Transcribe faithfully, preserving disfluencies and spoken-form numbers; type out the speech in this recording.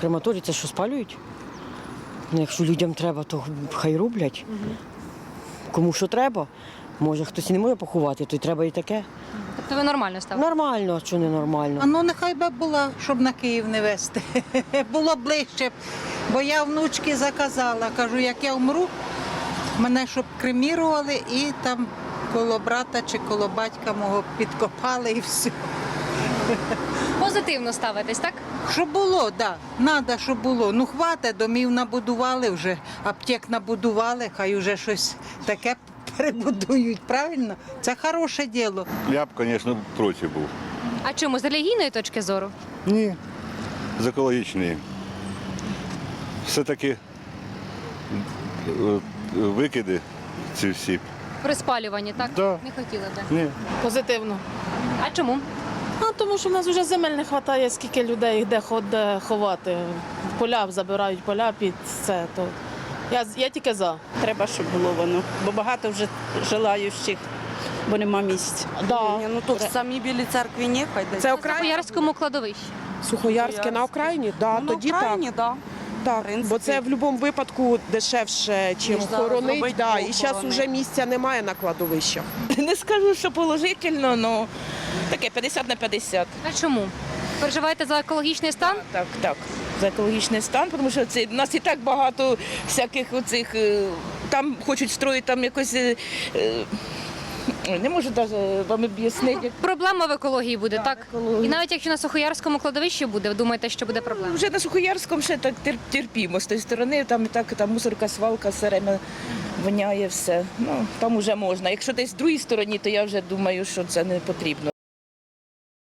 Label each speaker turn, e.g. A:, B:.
A: Крематорій це що, спалюють? Ну, якщо людям треба, то хай роблять. Угу. Кому що треба. Може, хтось і не може поховати, то й треба і таке.
B: Тобто ви нормально ставите?
A: Нормально, а що не нормально.
C: А ну нехай би була, щоб на Київ не везти. Було ближче, бо я внучки заказала. Кажу, як я вмру, мене щоб кремірували і там коло брата чи коло батька мого підкопали і все.
B: Позитивно ставитесь, так?
C: Щоб було, так. Да. Треба, щоб було. Ну, хватить, домів набудували вже, аптек набудували, хай вже щось таке перебудують, правильно? Це хороше діло.
D: Я б, звісно, проти був.
B: А чому? З релігійної точки зору?
D: Ні, з екологічної. Все-таки е, викиди ці всі.
B: При спалюванні, так?
D: Да.
B: Не хотіли би.
D: Ні.
E: Позитивно.
B: А чому?
E: А тому що в нас вже земель не вистачає, скільки людей де ходить ховати. Поля забирають поля під це. То я, я тільки за.
F: Треба, щоб було воно, бо багато вже желаючих, бо нема місць.
E: Да.
G: Ні, ну тут в самій Білій церкві ні, хай десь.
H: Це
B: На
H: Окраїн...
B: Сухоярському кладовищі.
H: Сухоярське на Окраїні? Да,
G: Ну,
H: тоді
G: на Україні,
H: так.
G: да.
H: Так,
G: принципі.
H: бо це в будь-якому випадку дешевше, чим
G: Ніж зараз
H: хоронить.
G: робити
H: Да. І зараз
G: похорони.
H: вже місця немає на кладовищах.
F: Не скажу, що положительно, але таке п'ятдесят на п'ятдесят.
B: А чому? Переживаєте за екологічний стан?
F: Так, так. За екологічний стан, тому що це, в нас і так багато всяких оцих, е, там хочуть строїти там якось, е, е, не можу навіть вам об'яснити.
B: Проблема в екології буде, так?
F: екології.
B: І навіть якщо на Сухоярському кладовищі буде, ви думаєте, що буде проблема?
F: Вже на Сухоярському ще так тер- терпімо з тієї сторони, там і так там мусорка, свалка, все время воняє все. Ну, там вже можна. Якщо десь з другій стороні, то я вже думаю, що це не потрібно.